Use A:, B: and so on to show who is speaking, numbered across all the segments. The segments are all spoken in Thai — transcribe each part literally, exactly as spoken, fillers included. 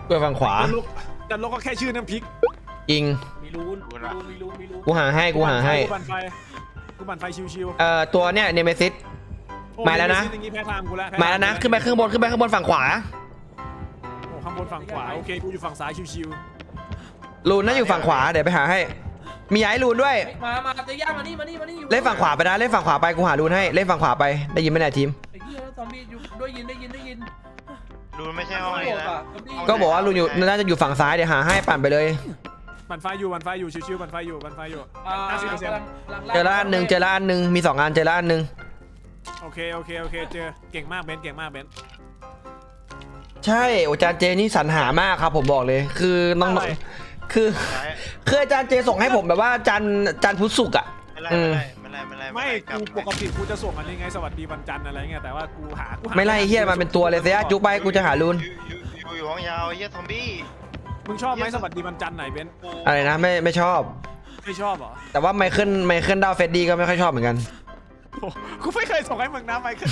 A: กูฝั่งขวา
B: จันลกก็แค่ชื่อน้ำพริก
A: จริง
C: มีรูนมีรูนมีรูนมีรูน
A: กูหาให้กูหาให้
B: กูบันไฟกูบันไฟชิว
A: ๆเอ่อตัวเนี้ยเนเมซิสมาแล้วนะมาแล้วนะขึ้นไปข้างบนขึ้นไปข้างบนฝั่งขวา
B: โอ้ข้างบนฝั่งขวาโอเคกูอยู่ฝั่งซ้ายชิว
A: ๆลูนน่าอยู่ฝั่งขวาเดี๋ยวไปหาให้มีย้ายลูนด้วย
C: มามาเตะย่ามานี่มานี่มานี่
A: เล่นฝั่งขวาไปนะเล่นฝั่งขวาไปกูหาลูนให้เล่นฝั่งขวาไปได้ยินไหมเนี่ยทีม
C: ไอ้เหี้ยซอมบี้อยู่ได้ยินได้ยินได้ยิน
D: รูนไม่ใช่ห้องนี้นะ
A: ก็บอกว่าลูนอยู่น่าจะอยู่ฝั่งซ้ายเดี๋ยวหาให้ปั่นไปเลย
B: บันไฟอยู่บันไฟอยู่ชิวๆบันไฟอยู่บันไฟอยู่
C: ห้าสิบเปอร์เซ็นต์
A: เจอละอันหนึ่งเจอละอันหนึ่งมีสองอันเจอละอันหนึ่ง
B: โอเคโอเคโอเคเจอเก่งมากเบนเก่งมากเบน
A: ใช่อาจารย์เจนี่สรรหามากครับผมบอกเลยคือน้องคือคืออาจารย์เจส่งให้ผมแบบว่าอาจารย์อาจารย์พุทธสุกอ่ะ
D: ไม่ไรไม่ไร
B: ไม่กูปกติกูจะส่งอันนี้ไงสวัสดีวันจันทร์อะไรเงี้ยแต่ว่ากูหากู
A: ไม่ไล่เฮียมาเป็นตัวเลยเสียจุกไปกูจะหาลูน
D: อยู่อยู่ห้องยาวเฮียซอมบี้
B: มึงชอบไหมสวัสดีวันจันทร์ไหนเบน
A: อะไรนะไม่ไม่ชอบ
B: ไม่ชอบเหรอ
A: แต่ว่าไมเคิลไมเคิลดาวเฟดดี้ก็ไม่ค่อยชอบเหมือนกัน
B: กูไม่เคยส่งให้มึงนะไมเคิล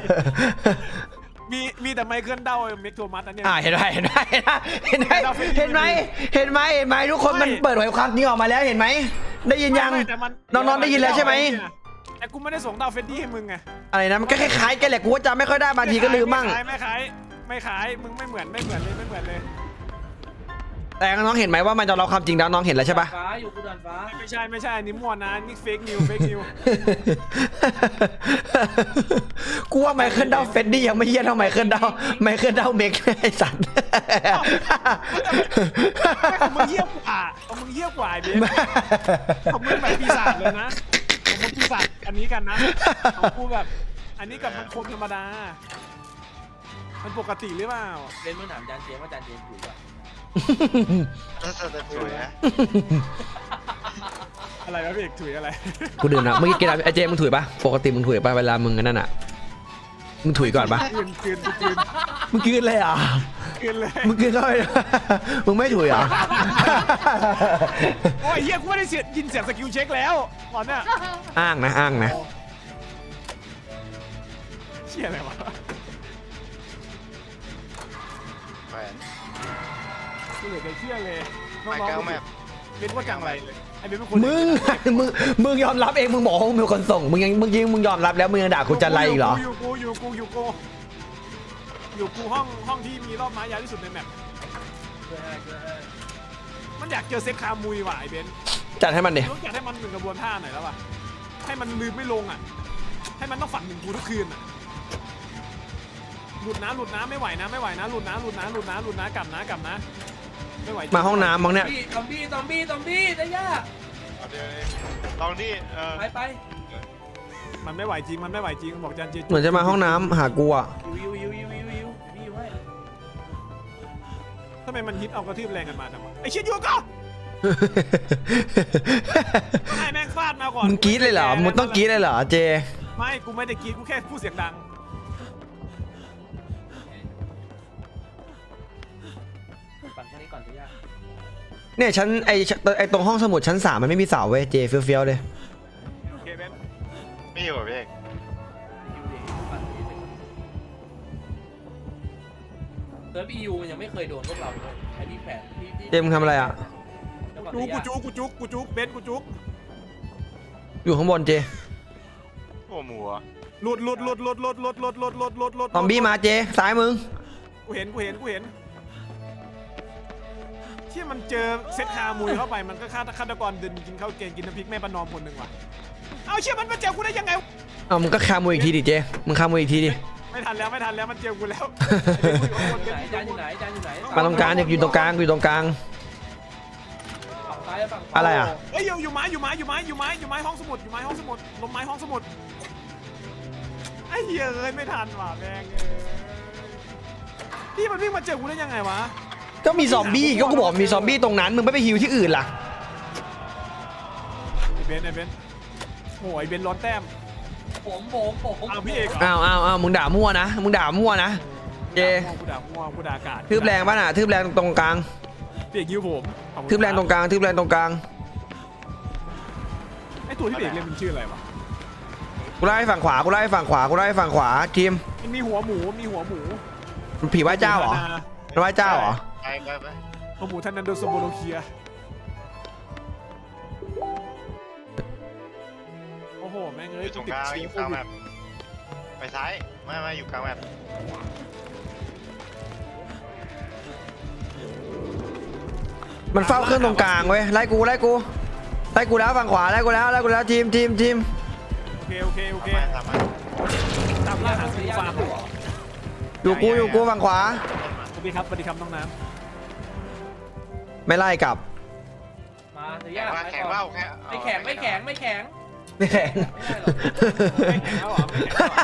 B: มีมีแต่ไมเคิลเดาเมกโทมัสอันนี้
A: อ่าเห็นไหมเห็นไหมเห็นไหมเห็นไหมเห็นไหมเห็นไหมทุกคนมันเปิดเผยความจริงออกมาแล้วเห็นไหมได้ยินยังน้องๆได้ยินแล้วใช่ไหม
B: แต่กูไม่ได้ส่งดาวเฟดดี้ให้มึงไง
A: อะไรนะมันก็คล้ายๆกันแหละกูก็จำไม่ค่อยได้บางทีก็ลืมมั่ง
B: ไม่ขายไม่ขายมึงไม่เหมือนไม่เหมือนเลยไม่เหมือนเลย
A: แต่น้องเห็นไหมว่ามันจะเราความจริงแล้วน้องเห็นแล้วใช่ปะ
C: ฟ้าอยู่กูดันฟ้า
B: ไม่ใช่ไม่ใช่อันนี้มั่วนะนี่เฟกนิวเฟกนิว
A: กูว่าไมเคิลดาวเฟดดี้ยังไม่เยี่ยเท่าไมเคิลดาวไมเคิลดาวเมกไอ้สัตว์
B: มึงเยี่ยกว่ามึงเยี่ยกว่าเบี้ยของมึงแบบปีศาจเลยนะของมึงปีศาจอันนี้กันนะของกูแบบอันนี้กับมันคนธรรมดามันปกติหรือเปล่า
C: เล่นเมื่อถามจานเจมว่าจานเจมถูกป่ะ
B: อะไรวะพี่เอกถุยอะไร
A: กูดื่มนะเมื่อกี้กินอะไรไอเจมึงถุยปะปกติมึงถุยปะเวลามึงนั่นอ่ะมึงถุยก่อนปะ
B: กินกินกิน
A: มึงกินเลยอ่ะ
B: กินเลย
A: มึงกินเลยมึงไม่ถุยอ่ะ
B: โอ้ยเฮียกูไม่ได้เสียยินเสียงสกิลเช็คแล้วตอนเนี้ย
A: อ้างนะอ้างนะ
B: เชี่ยอะไรวะกูเหลือแต่เชื่อเลยน้องๆเป็นว่าจังไรเลยไอ้เป็นคน
A: มึงมึงมึงยอมรับเองมึงบอกว่ามึงเป็นคนส่งมึงยังมึงยิงมึงยอมรับแล้วมึงยังด่ากูจันไรอีกเหรอ
B: อยู่กูอยู่กูอยู่กูอยู่กูห้องห้องที่มีรอบไม้ยาวที่สุดในแมปมันอยากเจอเซ็กคามุยว่ะไอ้เบน
A: จัดให้มันดิ
B: อยากให้มันหนึ่งกระบวนท่าหน่อยแล้วว่ะให้มันลืมไม่ลงอ่ะให้มันต้องฝันถึงกูทุกคืนอ่ะหลุดนะหลุดนะไม่ไหวนะไม่ไหวนะหลุดนะหลุดนะหลุดนะหลุดนะกลับนะกลับนะไม่ไหว
A: มาห้องน้ำมองเนี่ย
C: ซอมบี้ซอมบี้ซอมบี้ได้ยาก
D: ลองดิ
C: ไปไป
B: มันไม่ไหวจริงมันไม่ไหวจริงบอกจันเจ
A: เหมือนจะมาห้องน้ำหากูอ่ะ
C: วิววิววิววิววิววิวให้
B: ทำไมมันฮิตเอากระทืบแรงกันมาจังวะไอเชี่ยยูก็ให้แม่งฟาดมาก่อน
A: มึงกรี๊ดเลยเหรอมึงต้องกรี๊ดเลยเหรอเจ
B: ไม่กูไม่ได้กรี๊ดกูแค่พูดเสียงดัง
A: เนี่ยชั้นไอไอตรงห้องสมุดชั้นสามมันไม่มีเสาเว้ยเจเฟี้ยวๆเลย
D: ไม่อยู่พี่เอก
C: เซิร์ฟอียูยังไม่เคยโดนพวกเราเลยไอ้นี่แผน
A: เจมึงทำอะไรอ่ะ
B: กูกูจุกกูจุกกูจุกเบนกูจุก
A: อยู่ข้างบนเจ
D: โอ้หมู
B: หลุดหลุดหลุดหลุดหลุดหลุดหลุดหลุดหลุดหลุดหลุด
A: ซอมบี้มาเจซ้ายมึง
B: กูเห็นกูเห็นกูเห็นที่มันเจอเซตคามุยเข้าไปมันก็ฆาตฆาตกรเดินกินข้าวเกงกินน้ำพริกแม่ประนอมคนหนึ่งว่ะเอาเชี่ยมันมาเจอกูได้ยังไง
A: เอามึงก็คามุยอีกทีดิเจมึงคามุยอีกทีดิ
B: ไม่ทันแล้วไม่ทันแล้วมันเจอกูแล้ว
C: จานอยู่ไหนจานอยู่ไหน
A: มาตรงกลางอยู่ตรงกลางอยู่ตรงกลางอะไรอ่ะ
B: เฮ้ยอยู่อยู่ไม้อยู่ไม้อยู่ไม้อยู่ไม้อยู่ไม้ห้องสมุดอยู่ไม้ห้องสมุดลมไม้ห้องสมุดไอ้เหี้ยเลยไม่ทันว่ะแม่งพี่มันวิ่งมาเจอกูได้ยังไงวะ
A: ก็มีซอมบี้ก็กูบอกมีซอมบี้ตรงนั้นมึงไม่ไปฮิวที่อื่นล่ะ
B: ไอเบนไอเบนโอ้ยเบนร้อนแต้ม
C: ผมผมผม
B: เอาพี่เอก
A: อ้าวอ้าวอ้าวมึงด่ามั่วนะมึงด่ามั่วนะเจ
B: กูด่ามั่วกูด่าอากาศ
A: ทืบแรงป่ะน่ะทืบแรงตรงกลาง
B: พี่เอกยิวผม
A: ทืบแรงตรงกลางทืบแรงตรงกลาง
B: ไอตัวที่พี่เอกเล่นมันชื่ออะไรวะ
A: กูไล่ฝั่งขวากูไล่ฝั่งขวากูไล่ฝั่งขวาทีม
B: มันมีหัวหมูมีหัวหมู
A: ผีไหว้เจ้าเหรอไหว้เจ้าเหรอ
D: ไปไปไป
B: หัวหมูท่านนันโดสโบโลเคียโอ้โหแม่ง
D: อ
B: เอ้ย
D: ยู่ตรง
B: ติ
D: ก
B: ด
D: ลาง
B: เชื้
D: อ
B: อยู่ โค
D: กลาง
B: วิ
D: แบ
B: ด
D: บไปซ้ายไม่ไม่อยู่กลางแบบ
A: มันเฝ้าเครื่องตรงกลางเว้ยไล่กูไล่กูไล่กูแล้วฝั่งขวาไล่กูแล้วไล่กูแล้วทีมทีมทีม
B: โอเคโอเคโอเค
D: ทำมาทำมา
B: ตามล่าหาซื้อฟาร์ม
A: อยู่กูอยู่กูฝั่งขวา
B: สวัสดีครับสวัสดีครับน้องน้
A: ไม่ไล่กลับ
C: มาเสีย
D: แข่ง
C: ยา
D: ว่า
C: ไป
D: แข่ง
C: ก่อ
D: ว่าน แข่ง
C: ไม่แข็งไม่แข็งไม่แข็ง
A: ไม่แข่ง
C: ไม่ได้หรอก
B: ำไม่แข็งแล้วเหรอไม่แข็งแล้ว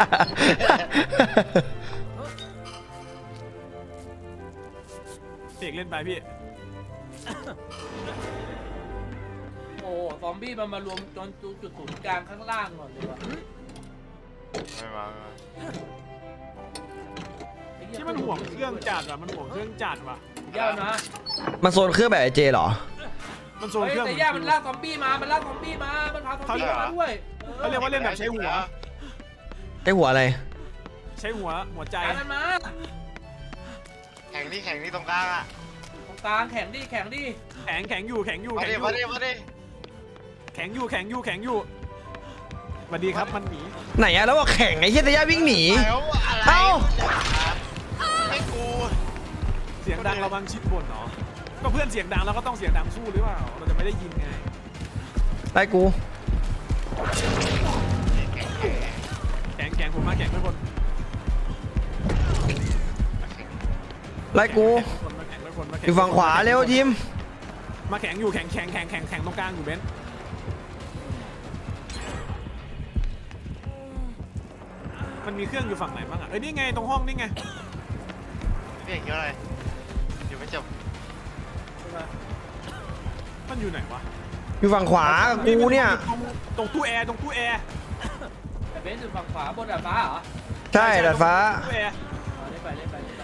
B: เหรอเสกเล่นไปพี่
C: โอ้ซอมบี้มันมารวมจนจุดศูนย์กลางข้างล่างก่อนเลยว่ะ
D: ไม่มาไม่มา
C: ไอ้เหี้ย
B: ที่มันห่วงเครื่องจัดว่ะมันห่วงเครื่องจัดว่ะ
C: ยาวนะ
A: มันโซนเครื่องแบบไอเจเหรอ
B: มันโซน
C: เฮ้ย
B: เครื่อง
C: แต่ย่ามันลากซอมบี้มามันลากซอมบี้มามันพาซอมบี้มาด้วย
B: เขาเรียกว่าเล่นแบบใช้หัว
A: ไอหัวอะไร
B: ใช้หัวหัวใจ
C: จานมันมา
D: แข่งนี่แข่งนี่ตรงกลางอ่ะ
C: ตรงกลางแข็งดิแข็งดิ
B: แข็งแข็งอยู่แข็งอยู่
D: มา
B: แข็ง
D: ดิ
B: อยู่
D: มาดิมาดิ
B: แข็งอยู่แข็งอยู่แข็งอยู่สวัสดีครับมันหนี
A: ไหนอะแล้วว่าแข่งไอ้เฮียแต่ย่าวิ่งหนี
D: แล้วอะไร
A: เอ้า
D: ไม่กู
B: เสียงดังระวังชิดบนเนาะก็เพื่อนเสียงดังเราก็ต้องเสียงดังสู้หรือเปล่าเราจะไม่ได้ยินไง
A: ไล่กู
B: แข็งแข็งผมมาแข็งทุกคน
A: ไล่กู
B: มาแข็งทุกคนมา
A: อ
B: แข็ง
A: ยู่ฝั่งขวาเร็วทีม
B: มาแข็งอยู่แข็งแข็งแข็งแข็งแข็งตรงกลางอยู่เบนซ์มันมีเครื่องอยู่ฝั่งไหนบ้างอ่ะเอ้ยนี่ไงตรงห้องนี่ไง
D: พี่เอกเกี่ยวอะไรอยู่ไม่จบ
B: มันอยู่ไหนวะ
A: อยู่ฝั่งขวากับกูเนี่ย
B: ตรงตรงตู้แอร์ตรงตู้แอร์
C: แต่เบนซ์อยู่ฝั่งขวาบนดาดฟ้าเหรอ
A: ใช่ดาดฟ้า
B: ตู้แอร์
C: อ๋อเล่นไปเล่นไปเล่นไป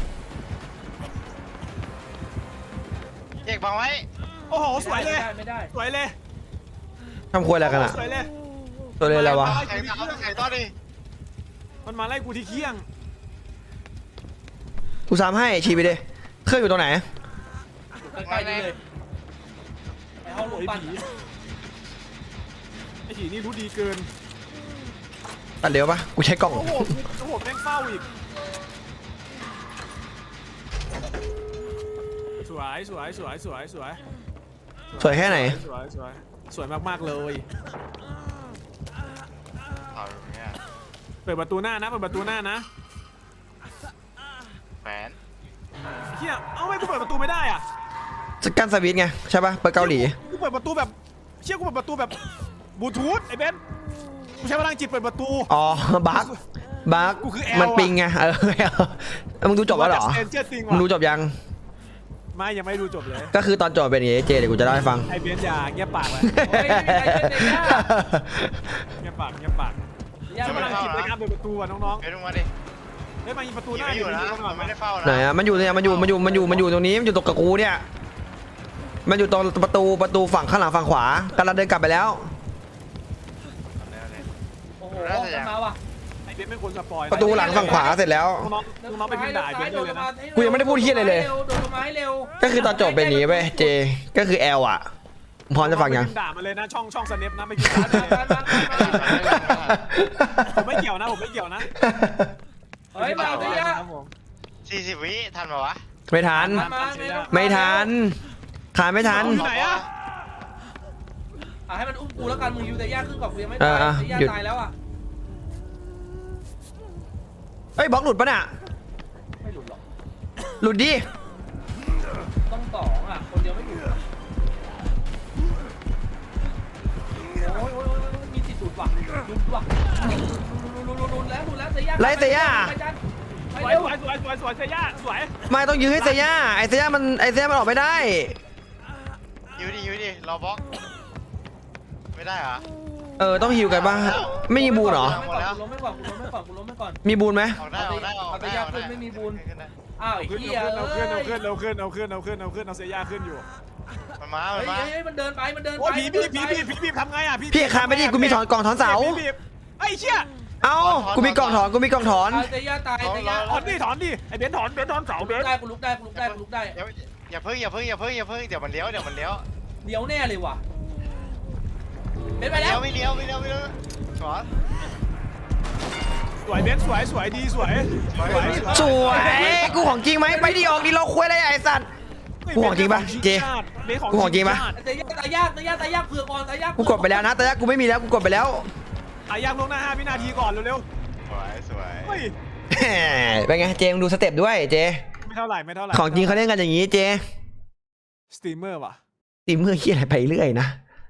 D: เอกบังไว้
B: โอ้โหสวยเลย
C: ไม่ได้ไม่ได้
B: สวยเลย
A: ทำครัวอะไรกันอะ
B: สวยเลย
A: ตัวเลยอะไรวะ
D: แข่งต่อแข่งต่อดิ
B: มันมาไล่กูที่เคียง
A: กูซ้ำให้ชี้ไปดิเครื่องอยู่ตรงไหน
C: อยู่ใกล้ๆนี่เลยไอ้ห้องลูก
B: ไอ้
C: ปั้น
B: ผีไอ้ผีนี่รู้ดีเกิน
A: ตัดเร็วปะกูใช้กล่อง
B: โอ้โหโอ้โหแม่งเฝ้าอีกสวยสวยสวยสวยสวย
A: สวยแค่ไหน
B: สวยสวยสวยมากๆเลย
D: เอาอย่างเงี้ย
B: เปิดประตูหน้านะเปิดประตูหน้านะ
D: แฝน
B: เฮียเอ้าไม่กูเปิดประตูไม่ได้อ่ะ
A: สกันสวิตช์ไงใช่ปะเปิดเกาหลี
B: กูเปิดประตูแบบเชี่ยกูเปิดประตูแบบบลูทูธไอ้เบนกูใช้พลังจิตเปิดประตู
A: อ๋อบั๊กบั๊ก
B: กูคือแอลอะ
A: มันปิงไงเออแอลมึงดูจบแล้วเหรอ
B: เจอจริง
A: มึ
B: ว่ะ
A: งดูจบยัง
B: ไม่ยังไม่ดูจบเลย
A: ก็คือตอนจบเป็นอย่างงี้เจเดี๋ยวกูจะเล่าให้ฟัง
B: ไอ้เบนอย่าเงียบปากเลย
C: โอ้ยไม่มีใครเล่นเลยย่า
B: เงียบปากเงียบปาก
C: ย่า
B: ใช้พ
C: ไม่
B: ลัง
C: ได้
B: จิตในการเปิดประตูอ่ะน้อง
D: เฮ้ยลงมาดิ
B: ๆเฮ้ยมายิงประตูห
D: ยิง
B: น้า
D: ไม่อยู่นะ
B: ดิ
D: มันไม่ได้เฝ้า
A: ไหน
D: นะ
A: อะมันอยู่เนี่ยมันอยู่มันอยู่มันอยู่มันอยู่ตรงนี้มันอยู่ตรงกับกูเนี่ยมันอยู่ตรงประตูประตูฝั่งข้างหลังฝั่งขวากำลังเดินกลับไปแล้ว
C: โอ้โหจะมาว่ะ
B: ไอ้เบนไม่ควรสปอย
A: ประตูหลังฝั่งขวาเสร็จแล้ว
B: น้องๆน้องๆไปพิมพ์ด่าไอ้เบนเลยนะ
A: กูยังไม่ได้พูดเหี้ยอะไรเลย
C: โดนลงมาให้เร็ว
A: ก็คือตอนจบเป็นอย่างงี้เว้ยเจก็คือแอลอะพร้อมจะฟังยัง
B: น้อๆไปพิมพ์ด่ามาเลยนะช่องช่องสเนปนะไม่พิมพ์ด่าเลยผมไม่เกี่ยวนะผมไม่เกี่ยวนะ
C: เฮ้ยมาเสีย
B: ครับผม
D: สี่สิบวิทันปะวะ
A: ไม่ทัน
C: มา
A: ไม่ทันขายไม่ทัน
B: อยู่ไหนอะ
C: อ่ะให้มันอุ้มกูแล้วกันมึงยูแต่ย่าขึ้นก่อนกูยังไม่
A: เอ
C: ตาย
A: อ
C: แต่ย่า
A: หยุด
C: ตายแล้วอ่ะ
A: เฮ้ยบล็อกหลุดปะเนี่ย
C: ไม่หลุดหรอก
A: หลุดดิ
C: ต้องสองอ่ะคนเดียวไม่หลุดหรอกโอ้ยโอ้ยโอ้ยโอ้ยมีสิทธิ์หลุดว่ะหลุดว่ะหลุดหลุดหลุดหลุดแล้วหลุดแล้วแต่ย่า
A: ไล่เตย่า
C: ไปจันไป
B: สวย
C: เร็ว
B: สวยสวยสวยสวยเซย่าสวย
A: ไม่ต้องยื้อให้เซย่าไอเซย่ามันไอเซย่ามันออกไม่ได้
D: ยูดิยูดิรอบล็อกไม่ได้เหรอ
A: เออต้องฮิวกันบ้างไม่มีบูนเหรอ
C: กูล้มไม่ก่อนกูล้มไม่ก่อนกูล้มไม่ก่อน
A: มีบูนไหม
D: ออกได้ออกได้ออกได้ออกได้
C: อ้าวไอ้
B: ขึ้น
C: เหี้ย
B: เอา
C: เอ้
B: ขึ้นเอาขึ้น
C: ย
B: เอาขึ้นเอาขึ้นเอาขึ้นเอาขึ้นเอาเซย่าขึ้นอยู่
D: มันมา
C: เฮ้
D: มัน
C: ย
D: มา
C: เฮ้ยมันเดินไปมันเดินไป
B: โอ้ผีบีบผีบีบผีบีบทำไงอ่ะ
A: พี่คานไปดิกูมีถอนกล่องถอนเสา
B: ผีบีบไอ้เชี่ย
A: เอ้ากูมีกล่องถอนกูมีกล่องถอน
C: เอาเตย่าตายเตย่า
B: ถอนดิถอนดิไอเบนซ์ถอนเบนซ์ถอนเสาเบนซ์
C: ได้กูลุกได้กูลุกได้กูลุกได้
D: อย่าอย่าเพิ่งอย่าเพิ่งอย่าเพิ่งอย่าเพิ่งเดี๋ยวมันเลี้ยวเดี๋ยวมันเลี้ยว
C: เลี้ยวแน่เลยว่ะเป็นไป
D: เลี้
C: แล้
D: ยว วไม่เลี้ยวไม่เลี้ยวไม่เลี้ยวสวน
B: สวยเบนซ์สวยสวยดีสวยสวย
A: สวยกูของจริงไหมไปดิออกดิเราคุยอะไรไอ้สัตว์กูของจริงปะเจกูของจริงปะ
C: เตย่าตายยากเตย่าตายยากเผื่อก่อนตายยาก
A: กูกดไปแล้วนะแต่กูไม่มีแล้วกูกดไปแล้ว
B: อายางลงหน้าห้าวินาทีก่อนเร็ว
D: สวยสวย
B: ๆเฮ้ย
A: เป็นไงเจมึงดูสเต็ปด้วยเจ
B: ไม่เท่าไหร่ไม่เท่าไหร่
A: ของจริงเขาเล่นกันอย่างนี้เจ
B: สตรีมเมอร์ว่ะ
A: ตีมือขี้อะไรไปเรื่อยนะ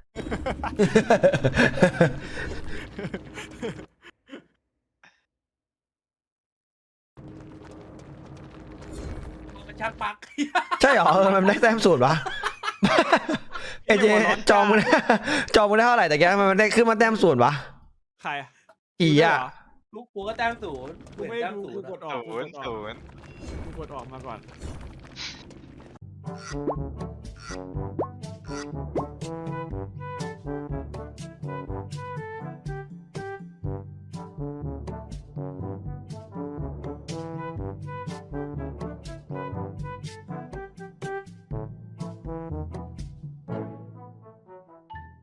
C: มันชักปัก
A: ใช่เหรอเออมันได้แต้มสูตรวะ เอเจจองมึงได้จองมึงได้เท่าไหร่แต่แกมันได้ขึ้นมาแต้มสูตรวะ
B: ใคร
A: กี่อ่ะ
C: ลูกกูก็แต้มศูนย์
B: กูไม่
C: แต้ม
B: ดู
C: ศู
B: กู
C: นย์
B: กดออก
D: ศูนย์ศูนย์
B: กูกดออกมาก่อน